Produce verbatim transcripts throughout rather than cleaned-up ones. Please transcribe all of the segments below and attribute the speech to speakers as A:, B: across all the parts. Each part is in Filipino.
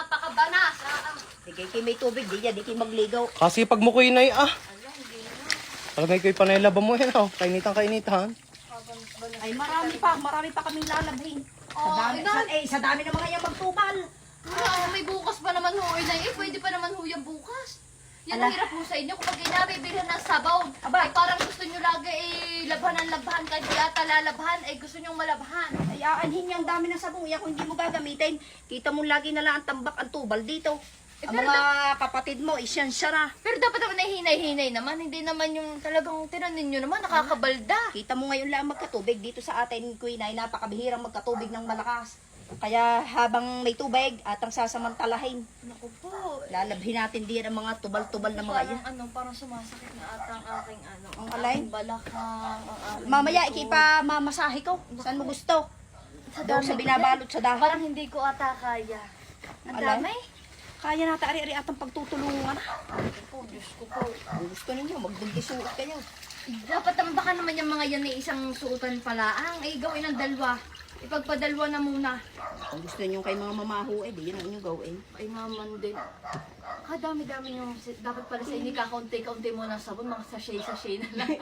A: napakabanas. Ah, ah.
B: Di kayo kayo may tubig, di yan, di kayo magligaw.
C: Kasi pag mo ko inay ah.
A: Ala, hindi na.
C: Talagay ko yung panay-laba mo yan oh. Kainitan kainitan.
B: Ay, marami pa, marami pa kaming lalabhin. Sa
A: Oh,
B: dami,
A: Inay.
B: sa, eh, sa dami ng mga yung magtubal.
A: Ah, may bukas pa naman ho, Inay. Eh, pwede pa naman ho yung bukas. Yan ang
B: Ala.
A: hirap po sa inyo. Kapag inabibilhan ng sabaw,
B: Aba.
A: ay parang gusto nyo lagi eh, labhan ang labhan. Kahit di ata lalabhan, ay gusto nyo malabhan.
B: Ay, aanhin niya ang dami ng sabong. Iya, kung hindi mo gagamitin, kita mo lagi na lang ang tambak, ang tubal dito.
A: Eh,
B: Ang
A: pero
B: mga kapatid mo, isyan siya na.
A: Pero dapat naman ay hinay-hinay naman. Hindi naman yung talagang tinanin nyo naman, nakakabalda.
B: Kita mo ngayon lang magkatubig dito sa atin, Queen, ay napakabihirang magkatubig ng malakas. Kaya habang may tubig at ang sasamantalahin,
A: Naku po.
B: lalabhin natin din ang mga tubal-tubal na mga yan.
A: Parang ano, parang sumasakit na ata ang aking ano.
B: Ang alay?
A: aking balakang, ang aking
B: Mamaya,
A: buto.
B: ikipa mamasahe ko. Saan mo gusto?
A: Sa
B: Doon
A: dami
B: sa
A: ko
B: binabalot
A: yan.
B: sa dahon.
A: Parang hindi ko ata kaya. Ang
B: Alay?
A: dami.
B: Kaya natin ari-ari atang pagtutulungan.
A: Naku po, Diyos ko po.
B: Kung gusto ninyo, magbundisuot kayo.
A: Dapat naman baka naman yung mga yan ay isang suotan pala. Ang ay gawin ng dalawa. Ipagpadalwa na muna.
B: Kung gusto ninyo kay mga mamaho, eh, di yan ang inyong gawin.
A: Ay maman din. Ah, dami-dami yung dapat pala sa inyo kakaunti-kaunti mo ng sabon, mga sachet-sachet na lang.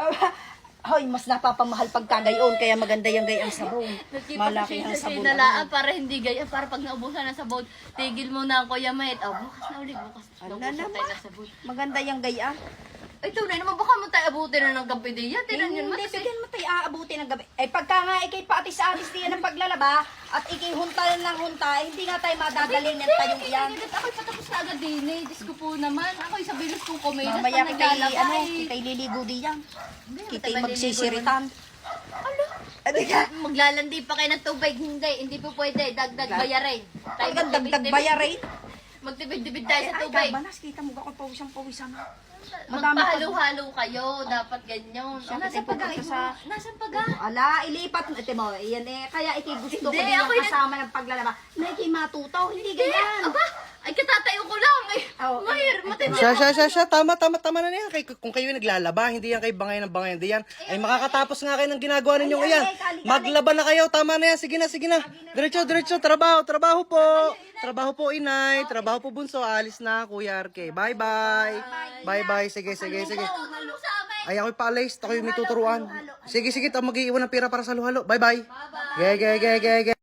B: Hoy, mas napapamahal pagka gayon, kaya maganda yung gayang sabon. Malaki ang
A: Sachet-sachet
B: sabon.
A: na lang para hindi gaya, para pag naubusan ng sabon, tigil mo na ang Kuya Met. Oh, bukas na ulit, bukas.
B: Ano
A: Naubusan
B: naman?
A: tayo ng sabon.
B: Maganda yung gaya.
A: Ay, tunay naman, baka mo tayo abutin na ng gabi diya. Tinan yun mo.
B: Hindi, bigyan mo tayo aabuti ng gabi. Eh, pagka nga ikay paatis-atis diyan ng paglalaba, at ikay hunta ng hunta, eh, hindi nga tayo madadalhin ng tayong iyan.
A: Ako'y patapos na agad din eh. Diyos ko po naman. Ako'y sa bilis kong kumilas.
B: Mamaya
A: pag
B: kitay,
A: naglalaba
B: ano,
A: eh.
B: kitay liligo diyan.
A: Hindi,
B: Kitay
A: matay
B: magsisiritan.
A: Ano?
B: Abi ka,
A: Maglalandi pa kayo ng tubig. Hindi, hindi po pwede. Dagdag bayarin. Tayo
B: talagang dagdag
A: magtibid-tibid.
B: bayarin.
A: Magtibid-tibid tayo sa
B: Ay,
A: tubig.
B: kabanas, kita mo ako pawisang pawisan. Madami pa-
A: Magpahalo-halo kayo. Dapat ganyan.
B: Siya,
A: Nasaan
B: kitay
A: paga?
B: pupunta sa-
A: Nasaan paga?
B: Ala, ilipat mo. Ito mo, iyan eh, kaya ikay gusto ko
A: Hindi,
B: din ang
A: ako'y nag-
B: kasama ng paglalaba. Na ikay matuto, hindi
A: Hindi.
B: ganyan.
A: Aba, ay katatayo ko lang eh.
B: Oh,
A: Mahir,
B: eh,
A: matindi.
C: Siya, siya, siya, siya. Tama, tama, tama na yan. Kay, kung kayo naglalaba, hindi yan kayo bangay ng bangay. Hindi yan. Ay makakatapos nga kayo ng ginagawa ninyo
B: Ay,
C: ngayon.
B: ay, kali-kali.
C: Maglaba na kayo. Tama na yan. Sige na, sige na. Diretso, diretso. Trabaho, trabaho po. Trabaho po, inay. Trabaho po, bunso. Alis na, Kuya Arke. Bye-bye. Bye-bye. Sige, sige, sige.
A: Halo sa amin.
C: Ay, ako'y paalis. Ako'y may tuturuan. Sige, sige. Ito, mag-iiwan ng pira para sa luhalo. Bye-bye. Ge, ge, ge, ge, ge.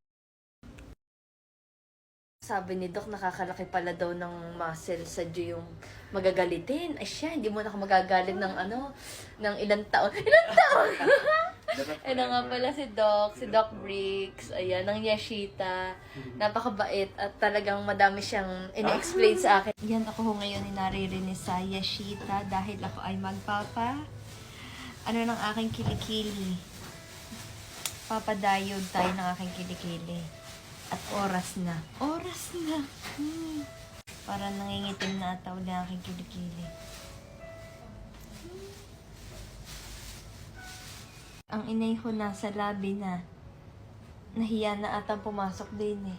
A: Sabi ni Doc, nakakalaki pala daw ng muscle sa Diyo yung magagalitin. Ay siya, hindi mo na ako magagalit ng ano, ng ilang taon. Ilang taon? Ano nga pala si Doc, si Doc Briggs, ayan, ng Yashita. Napakabait at talagang madami siyang ini-explain sa akin. Yan ako ho ngayon ni naririnig sa Yashita dahil ako ay magpapa, ano ng aking kilikili. Papadayod tayo ng aking kilikili. At oras na. Oras na. Hmm. Parang nangingitim na ata uli ang aking kilikili. Ang inay ko nasa labi na. Nahiya na ata pumasok din eh.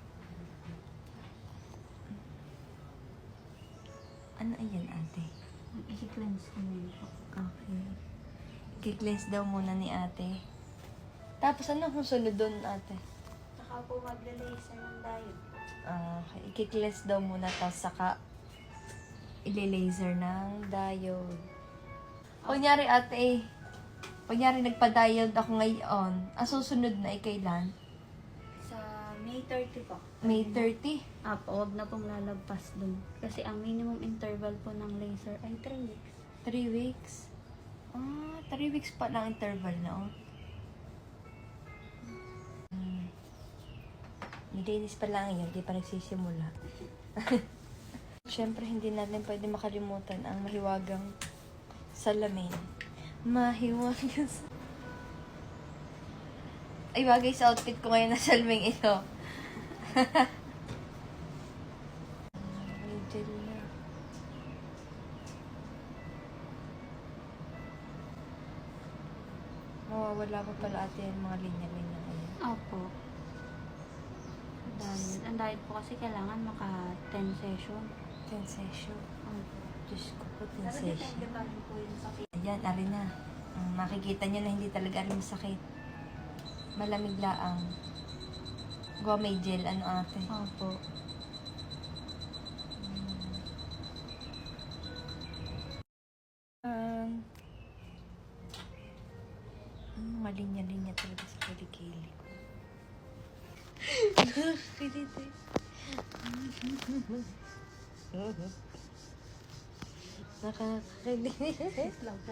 A: Ano ayan ate?
B: I-cleanse ko na po.
A: Okay. I-cleanse daw muna ni ate. Tapos ano kung sunod doon ate?
B: Saka po magla-laser ng diet.
A: Ah, okay. I-cleanse daw muna tapos saka i-laser ng diode. Kunyari ate, kunyari nagpa-diode ako ngayon, ang susunod na ay kailan?
D: Sa May thirty po.
A: May thirty?
D: Apo, huwag na pong lalagpas dun. Kasi ang minimum interval po ng laser ay three weeks.
A: Three weeks? Ah, three weeks pa lang interval na oh. Hmm. Nilinis pa lang yun, di pa nagsisimula. Siyempre, hindi natin pwede makalimutan ang mahiwagang salamin. Mahiwagang sa... Ay, bagay sa outfit ko ngayon na salming ito. May gel na. Mawawala pa pala ate yung mga linya-linya ngayon.
D: Opo. Dahil, ang diet po kasi kailangan maka ten session.
A: Ten session.
D: Opo.
A: Diyos ko po, ten session. Ayan, ari na. Um, makikita nyo na hindi talaga rin masakit. Malamig laang. Gawa may gel, ano ate?
D: Opo.
A: Nakakakilig lang po.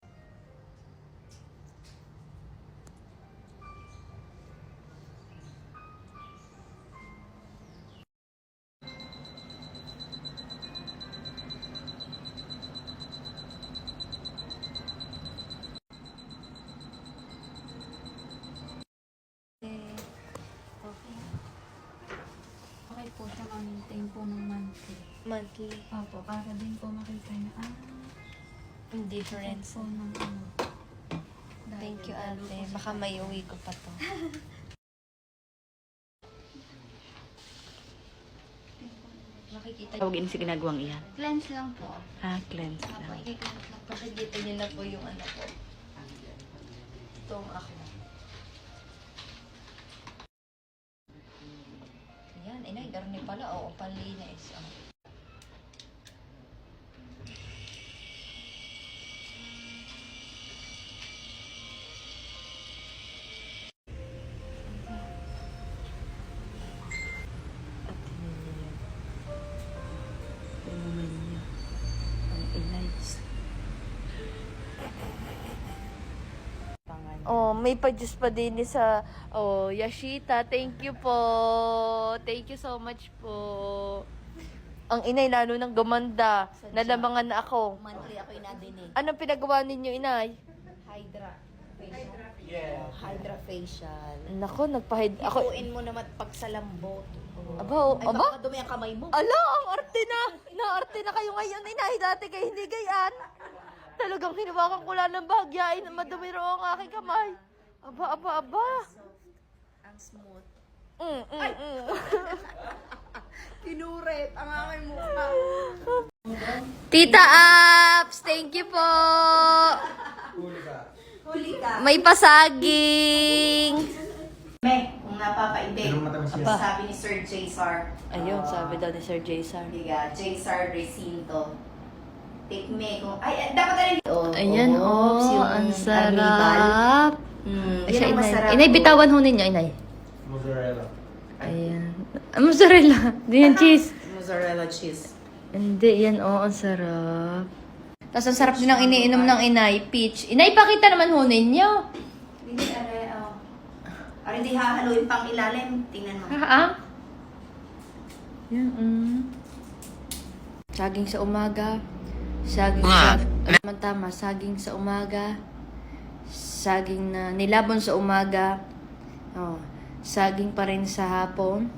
D: Okay po siya ma-maintain po ng monthly.
A: Monthly.
D: Opo, para din po makita na, ah,
A: Difference.
D: po ng ano.
A: Thank you, ate. Baka may uwi ko pa to. Makikita niyo.
B: Tawagin sa ginagawang iyan.
D: Cleanse lang po.
B: Ah, cleanse
D: Opo, i-cleanse lang po.
A: Makikita niyo na po yung ano ko. Itong ako. Yan, inay, darni pala. Oo, panlinis. Oh. Oh, may pa-juice pa din ni sa oh, Yashita. Thank you po. Thank you so much po. Ang inay lalo nang gumanda. Nalamangan na ako.
B: Monthly ako inadinig.
A: Anong pinagawa ninyo, inay?
B: Hydra facial. Yeah. Hydra facial.
A: Nako, nagpahid ako.
B: Ikuin mo naman pag sa lambot.
A: Aba, oh,
B: Ay,
A: aba.
B: baka dumi ang kamay mo.
A: Ala, ang arte na. Inaarte na kayo ngayon, inay. Dati kayo hindi gayan. Talagang hinawakan ko lang ng bahagyain na madumi raw ang aking kamay. Aba, aba, aba.
B: Ang smooth.
A: Mm, mm, mm.
B: Kinuret ang aking mukha.
A: Tita Apps, thank you po.
B: Huli ka.
A: May pasaging.
B: Me, kung napapaibig.
A: Aba.
B: Sabi ni Sir J-Sar.
A: Ayun, sabi daw ni Sir Jason.
B: Diga, J-Sar Recinto. Take me kung... Ay, dapat na rin. Oh,
A: Ayan, oh,
B: yung
A: ang
B: arnibal.
A: sarap. Mm,
B: Ayan
A: siya,
B: ang
A: inay.
B: masarap
A: Inay,
B: po.
A: bitawan ho ninyo, inay.
C: Mozzarella.
A: Ayan. Ah, mozzarella. Di yan cheese.
B: Mozzarella cheese.
A: Hindi, yan, oh, ang sarap. Tapos ang sarap din ang iniinom ng inay, peach. Inay, pakita naman ho ninyo.
B: Hindi, aray, oh. Aray, di hahaluin pang ilalim. Tingnan mo.
A: Ha? Yan, mm. Saging sa umaga. Saging sa... Ano tama, saging sa umaga. Saging na nilabon sa umaga. Oh, saging pa rin sa hapon.